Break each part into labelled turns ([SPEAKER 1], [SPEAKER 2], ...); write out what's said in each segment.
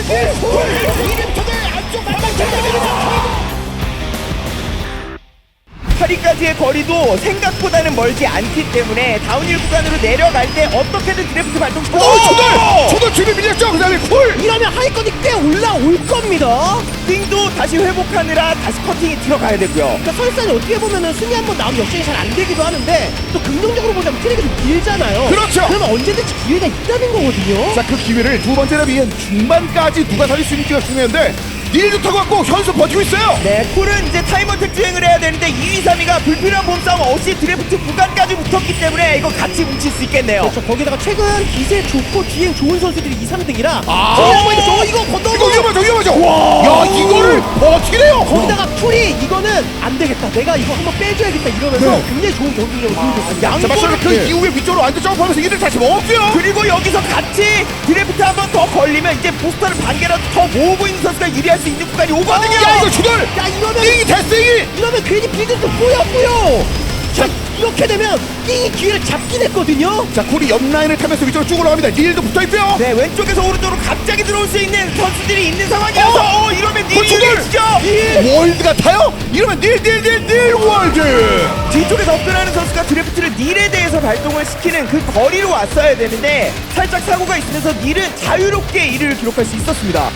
[SPEAKER 1] 파리까지의 거리도 생각보다는 멀지 않기 때문에 다운힐 구간으로 내려갈 때 어떻게든 드래프트 발동시켜.
[SPEAKER 2] 초돌 뒤로 밀렸죠. 그 다음에 콜.
[SPEAKER 3] 이러면 하위권이 꽤 올라올 겁니다.
[SPEAKER 1] 띵도 다시 회복하느라 다시 커팅이 들어가야 되고요.
[SPEAKER 3] 그러니까 설산이 어떻게 보면은 순위 한번 나오면 역전이 잘 안 되기도 하는데 또 긍정적으로 보자면 트랙이 좀 길잖아요.
[SPEAKER 2] 그렇죠.
[SPEAKER 3] 그러면 언제든지 기회가 있다는 거거든요.
[SPEAKER 2] 자, 그 기회를 두 번째 라비엔 중반까지 누가 살릴 수 있는지가 중요한데 닐도 타고 왔고 현수 버티고 있어요.
[SPEAKER 1] 네, 콜은 이제 타임어택 주행을 해야 되는데 2위, 3위가 불필요한 몸싸움 없이 드래프트 구간까지 붙었기 때문에 이거 같이 뭉칠 수 있겠네요.
[SPEAKER 3] 그렇죠. 거기다가 최근 기세 좋고 주행 좋은 선수들이 2, 3등이라 이거 건너면
[SPEAKER 2] 이거 위험하죠. 야, 이거를 버티네요.
[SPEAKER 3] 거기다가 풀이 이거는 안 되겠다. 내가 이거 한번 빼줘야겠다 이러면서
[SPEAKER 2] 네.
[SPEAKER 3] 굉장히 좋은 경기력을 보여줬습니다.
[SPEAKER 2] 자, 맞습니다. 그 이후에 위쪽으로 완전 점프하면서 이를 다시 먹었고요.
[SPEAKER 1] 그리고 여기서 같이 드래프트 한 번 더 걸리면 이제 부스터를 반 개라도 더 모으고 있는 선수가 유리할 수 있는 구간이 오거든요.
[SPEAKER 2] 야, 이거 주돌.
[SPEAKER 3] 야 이거는
[SPEAKER 2] 띵이 됐으니.
[SPEAKER 3] 이러면 괜히 빌드도 뿌였고요. 자 이렇게 되면 띵이 기회를 잡긴 했거든요.
[SPEAKER 2] 자, 콜이 옆 라인을 타면서 위쪽으로 쭉 올라갑니다. 닐도 붙어 있고요.
[SPEAKER 1] 네, 왼쪽에서 오른쪽으로 갑자기 들어올 수 있는 선수들이 있는 상황이어서 이러면 닐이 유리해지죠.
[SPEAKER 2] 월드 같아요? 이러면 닐 월드.
[SPEAKER 1] 뒤쪽에 접근하는 선수가 드래프트를 닐에 대해서 발동을 시키는 그 거리로 왔어야 되는데 살짝 사고가 있으면서 닐은 자유롭게 1위를 기록할 수 있었습니다.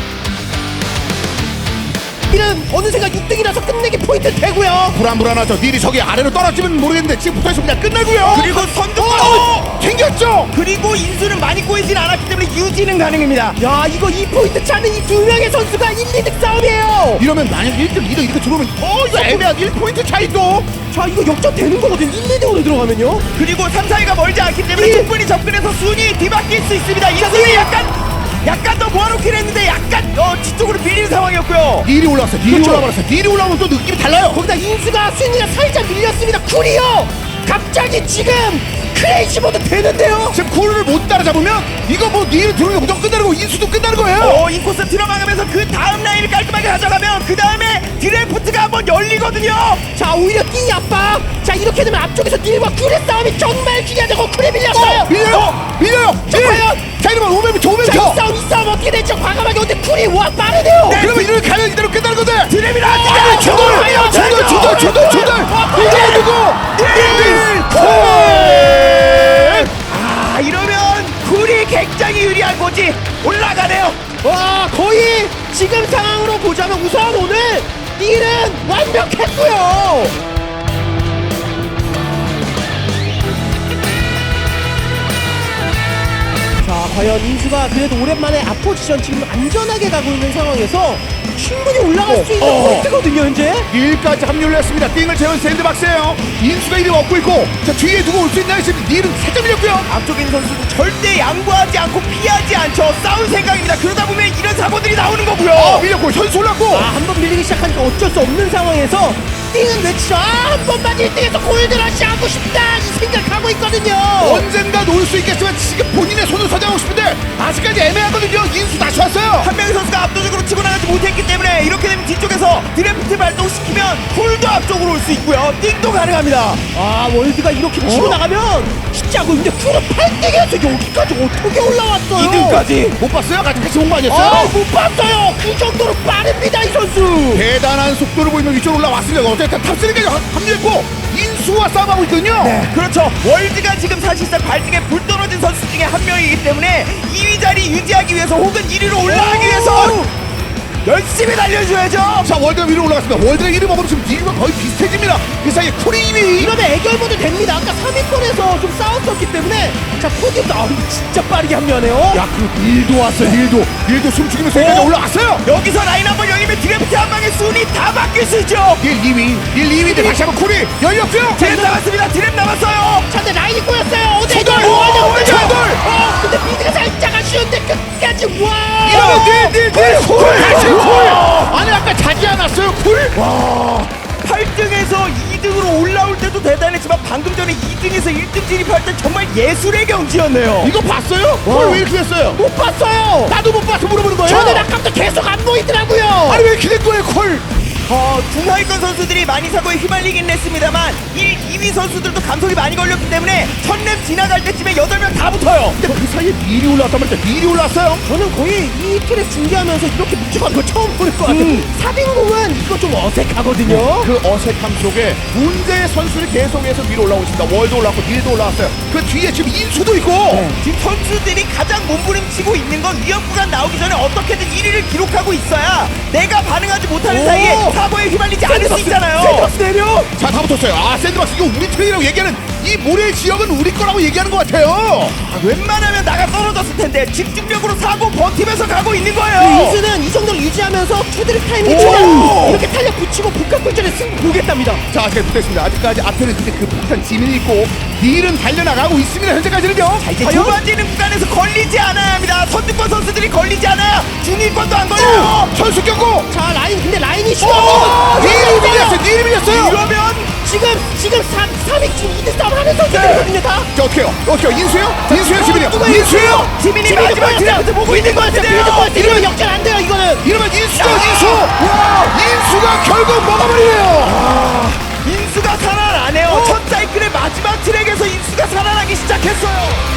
[SPEAKER 3] 이는 어느새가 6등이라서 끝내기 포인트 되고요.
[SPEAKER 2] 불안하죠. 닐이 저기 아래로 떨어지면 모르겠는데 지금 붙어있으면 그냥 끝나고요.
[SPEAKER 1] 그리고 선두
[SPEAKER 2] 생겼죠.
[SPEAKER 1] 그리고 인수는 많이 꼬이진 않았기 때문에 유지는 가능합니다.
[SPEAKER 3] 야 이거 2포인트 차는 이 두 명의 선수가 1, 2등 싸움이에요.
[SPEAKER 2] 이러면 만약 1등, 2등 이렇게 들어오면 이거 애매한 1포인트 차이도.
[SPEAKER 3] 자 이거 역전되는 거거든. 1, 2등으로 들어가면요.
[SPEAKER 1] 그리고 3, 4위가 멀지 않기 때문에 충분히 접근해서 순위 뒤바뀔 수 있습니다. 인수는 약간 더 모아놓긴 했는데 약간 뒤쪽으로 밀리는 상황이었고요.
[SPEAKER 2] 닐이 올라왔어요. 닐이 올라버렸어요. 닐이 올라오면 또 느낌이 달라요.
[SPEAKER 3] 거기다 인수가 순위가 살짝 밀렸습니다. 쿨이요. 갑자기 지금 크레이지 모드 되는데요.
[SPEAKER 2] 지금 쿨을 못 따라잡으면 이거 뭐 닐이 들어오면 무조건 끝나는 거고 인수도 끝나는 거예요.
[SPEAKER 1] 인코스 들어가면서 그 다음 라인을 깔끔하게 가져가면 그 다음에 드래프트가 한번 열리거든요.
[SPEAKER 3] 자 오히려 띵이 압박. 자 이렇게 되면 앞쪽에서 닐과 쿨의 싸움이 정말 중요하다고. 쿨에 밀렸어요.
[SPEAKER 2] 밀려요.
[SPEAKER 3] 자 과연
[SPEAKER 2] 자, 이러면 5m.
[SPEAKER 3] 자 이 싸움 어떻게 될지 과감하게. 근데 쿨이 와 빠르네요.
[SPEAKER 2] 그러면 이를 가면 이대로 끝나는 건데.
[SPEAKER 1] 드래미라
[SPEAKER 2] 조돌. 이게 누구?
[SPEAKER 1] 이러면 쿨이 굉장히 유리한 거지. 올라가네요.
[SPEAKER 3] 와 거의 지금 상황으로 보자면 우선 오늘 닐은 완벽했고요. 자 과연 인수가 그래도 오랜만에 앞포지션 지금 안전하게 가고 있는 상황에서 충분히 올라갈 수 있는 포인트거든요 현재.
[SPEAKER 2] 1까지 합류를 했습니다. 띵을 채운 샌드박스예요. 인수가 1위 얻고 있고, 자 뒤에 누구 올 수 있나 했을 때 닐은 살짝 밀렸고요.
[SPEAKER 1] 앞쪽에 있는 선수도 절대 양보하지 않고 피하지 않죠. 싸울 생각입니다. 그러다 보면 이런 사고들이 나오는 거고요.
[SPEAKER 2] 밀렸고 현수 올랐고.
[SPEAKER 3] 한 번 밀리기 시작하니까 어쩔 수 없는 상황에서 띵은 외치죠. 한 번만 1등에서 골드러시 하고 싶다 이 생각하고 있거든요.
[SPEAKER 2] 언젠가 놓을 수 있겠지만 지금 본인의 손을 서장하고 싶은데 아직까지 애매하거든요. 인수 다시 왔어요.
[SPEAKER 1] 한 명의 선수가 압도적으로 치고 나가지 못했기 때문에 이렇게 되면 뒤쪽에서 드래프트 발동시키면 쿨도 앞쪽으로 올 수 있고요. 띵도 가능합니다.
[SPEAKER 3] 월드가 이렇게 치고 나가면 쉽지 않고. 근데 쿨은 8등에서 여기까지 어떻게 올라왔어요?
[SPEAKER 1] 2등까지.
[SPEAKER 2] 못 봤어요? 같이 온 거 아니었어요?
[SPEAKER 3] 못 봤어요. 그 정도로 빠릅니다 이 선수.
[SPEAKER 2] 대단한 속도를 보이며 위쪽으로 올라왔습니다. 어쨌든 탑3까지 합류했고 인수와 싸움하고 있거든요.
[SPEAKER 1] 그렇죠. 월드가 지금 사실상 발등에 불 떨어진 선수 중에 한 명이기 때문에 2위 자리 유지하기 위해서 혹은 1위로 올라가기 위해서 열심히 달려줘야죠.
[SPEAKER 2] 자, 월드가 위로 올라갔습니다. 월드가 1위 먹으면 지금 닐과 거의 비슷해집니다. 그 사이에 쿨이 2위.
[SPEAKER 3] 이러면 애결모드 됩니다. 아까 3위권에서 좀 싸웠었기 때문에. 자 포디움 진짜 빠르게 합류하네요.
[SPEAKER 2] 야, 그 닐도 왔어요. 닐도 숨죽이면서 여기까지 올라왔어요.
[SPEAKER 1] 여기서 라인 한번 열리면 드래프트 한 방에 순위 다 바뀔 수 있죠.
[SPEAKER 2] 닐 2위인데 다시 한번 쿨이 열렸고요.
[SPEAKER 1] 드랩 남았습니다. 드랩 남았어요.
[SPEAKER 3] 자 근데 라인이 꼬였어요.
[SPEAKER 2] 초돌!
[SPEAKER 3] 근데 미드가 살짝 아쉬운데 끝까지 와.
[SPEAKER 2] 이러면 닐 다시 쿨. 아니 아까 자지 않았어요 쿨?
[SPEAKER 1] 와, 8등에서 2등으로 올라올 때도 대단했지만 방금 전에 2등에서 1등 진입할 때 정말 예술의 경지였네요.
[SPEAKER 2] 이거 봤어요? 쿨 왜 이렇게 됐어요?
[SPEAKER 3] 못 봤어요.
[SPEAKER 2] 나도 못 봐서 물어보는 거예요.
[SPEAKER 3] 저는 아까부터 계속 안 보이더라고요.
[SPEAKER 2] 아니 왜 이렇게 된 거예요 쿨?
[SPEAKER 1] 중하위권 선수들이 많이 사고에 휘말리긴 했습니다만 2위 선수들도 감속이 많이 걸렸기 때문에 첫랩 지나갈 때쯤에 8명 다 붙어요.
[SPEAKER 2] 근데 그 사이에 미리 올라왔단 말이죠. 미리 올라왔어요.
[SPEAKER 3] 저는 거의 이 트랙 중계하면서 이렇게 묵직한 거 처음 보는 것 같아요. 사빈공은 이거 좀 어색하거든요.
[SPEAKER 2] 그 어색함 속에 문제의 선수를 계속해서 위로 올라오고 있습니다. 월도 올라왔고 닐도 올라왔어요. 그 뒤에 지금 인수도 있고.
[SPEAKER 1] 지금 선수들이 가장 몸부림치고 있는 건 위험 구간 나오기 전에 어떻게든 1위를 기록하고 있어야 내가 반응하지 못하는
[SPEAKER 3] 오!
[SPEAKER 1] 사이에 사고에 휘말리지 않을 수 있잖아요.
[SPEAKER 3] 샌드박스 내려.
[SPEAKER 2] 자, 다 붙었어요. 아, 샌드박스 이거 우리 트랙이라고 얘기하는 이 모래 지역은 우리 거라고 얘기하는 것 같아요.
[SPEAKER 1] 웬만하면 나가 떨어졌을 텐데 집중력으로 사고 버티면서 가고 있는 거예요.
[SPEAKER 3] 그 이수는 이 정도로 유지하면서 투드립 타이밍이
[SPEAKER 2] 오!
[SPEAKER 3] 좋아요. 이렇게 탄력 붙이고 북한골전에 승부 보겠답니다.
[SPEAKER 2] 자, 아직 붙어있습니다. 아직까지 앞에는 근데 그 폭탄 지민이 있고 닐은 달려나가고 있습니다. 현재까지는요.
[SPEAKER 3] 자, 이제
[SPEAKER 1] 좁아지는 구간에서 걸리지 않아야 합니다. 선두권 선수들이 걸리지 않아야 중위권도 안 걸려요.
[SPEAKER 2] 선수 경고.
[SPEAKER 3] 자 라인 근데 라인이
[SPEAKER 2] 오!
[SPEAKER 3] 쉬워.
[SPEAKER 2] 닐이 밀렸어요. 닐이 밀렸어요.
[SPEAKER 1] 이러면
[SPEAKER 3] 지금 3위 지금 2대 싸움 하는 선수들이거든요 다.
[SPEAKER 2] 자, 어떻게요? 인수요? 인수요, 지민이요?
[SPEAKER 3] 누가
[SPEAKER 2] 인수요?
[SPEAKER 1] 지민이 마지막 드래프트 보고 있는 것 같은데요.
[SPEAKER 3] 이러면 역전 안 돼요 이거는.
[SPEAKER 2] 이러면 인수죠, 인수. 인수가 결국 먹어버리네요.
[SPEAKER 1] 인수가 살아나네요. 첫 사이클의 마지막 트랙에서 인수가 살아나기 시작했어요.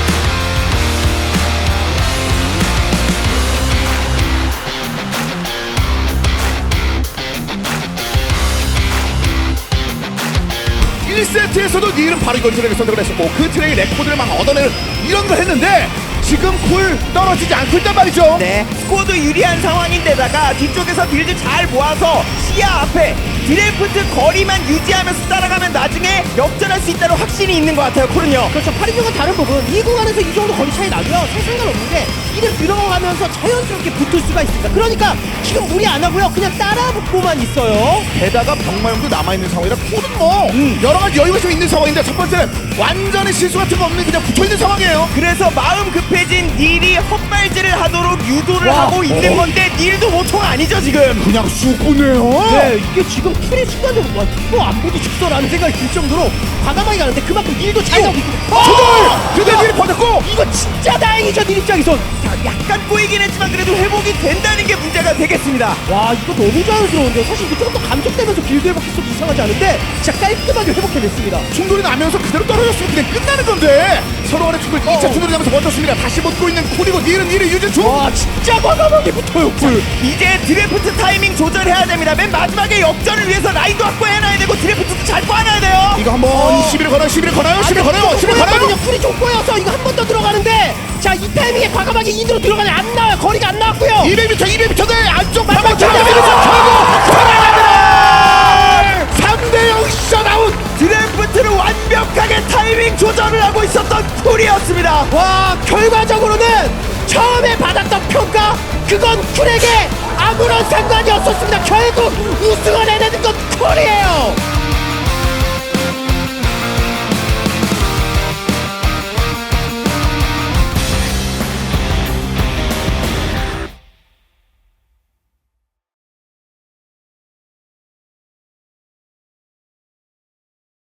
[SPEAKER 2] 일 세트에서도 닐은 바로 이걸 트랙을 선택을 했었고 그 트랙의 레코드를 막 얻어내는 이런 걸 했는데 지금 굴 떨어지지 않고 있단 말이죠.
[SPEAKER 1] 네, 스코어도 유리한 상황인데다가 뒤쪽에서 빌드 잘 모아서 시야 앞에 드래프트 거리만 유지하면서 따라가면 나중에 역전할 수 있다는 확신이 있는 것 같아요, 콜은요.
[SPEAKER 3] 그렇죠. 파리중과 다른 부분 이 구간에서 이 정도 거리 차이 나고요. 살 상관없는 게 이를 들어가면서 자연스럽게 붙을 수가 있습니다. 그러니까 지금 무리 안 하고요. 그냥 따라 붙고만 있어요.
[SPEAKER 2] 게다가 병마용도 남아있는 상황이라 쿨은 뭐 여러 가지 여유가 좀 있는 상황인데 첫 번째는 완전히 실수 같은 거 없는 그냥 붙어있는 상황이에요.
[SPEAKER 1] 그래서 마음 급해진 닐이 헛발질을 하도록 유도를
[SPEAKER 3] 와.
[SPEAKER 1] 하고 있는 건데 닐도 보통 아니죠, 지금.
[SPEAKER 2] 그냥 쑥 보네요.
[SPEAKER 3] 네, 이게 지금 풀이 순간적으로 와, 이거 안 보도 죽더라는 생각이 들 정도로 과감하게 가는데 그만큼 일도 잘 나오고 있고.
[SPEAKER 2] 그대 닐이 버텼고
[SPEAKER 3] 이거 진짜 다행이죠, 닐 입장에선.
[SPEAKER 1] 자, 약간 꼬이긴 했지만 그래도 회복이 된다는 게 문제가 되겠습니다.
[SPEAKER 3] 와, 이거 너무 자연스러운데요. 사실 이거 조금 더 감속되면서 빌드 회복했어도 이상하지 않은데 진짜 깔끔하게 회복해냈습니다.
[SPEAKER 2] 충돌이 나면서 그대로 떨어졌으면 그냥 끝나는 건데 서로 간의 충돌 2차 충돌이 나면서 버텼습니다. 다시 붙고 있는 쿨이고 닐은 유지 중.
[SPEAKER 3] 와, 진짜 과감하게 붙어요, 쿨.
[SPEAKER 1] 이제 드래프트 타이밍 조절해야 됩니다. 맨 마지막에 역전을 위해서 라인도 확보해놔야 되고 드래프트도 잘 꽈놔야 돼요.
[SPEAKER 2] 이거 한번 11을 걸어요. 11을 걸어요. 11을 걸어요. 11을 걸어요.
[SPEAKER 3] 쿨이 좀 꼬여서 이거 한 번 더 들어가는데 자, 이 타이밍에 과감하게 인으로 들어가네. 안 나와요. 거리가 안 나왔고요.
[SPEAKER 2] 200m 대 안쪽
[SPEAKER 3] 맞아,
[SPEAKER 2] 방방
[SPEAKER 3] 맞아,
[SPEAKER 2] 잡아내면서
[SPEAKER 3] 맞아.
[SPEAKER 2] 결국 살아납니다. 3대0 셧아웃.
[SPEAKER 1] 드래프트를 완벽하게 타이밍 조절을 하고 있었던 쿨이었습니다.
[SPEAKER 3] 와, 결과적으로는 처음에 받았던 평가 그건 쿨에게 아무런 상관이 없었습니다. 결국 우승을 해내는 건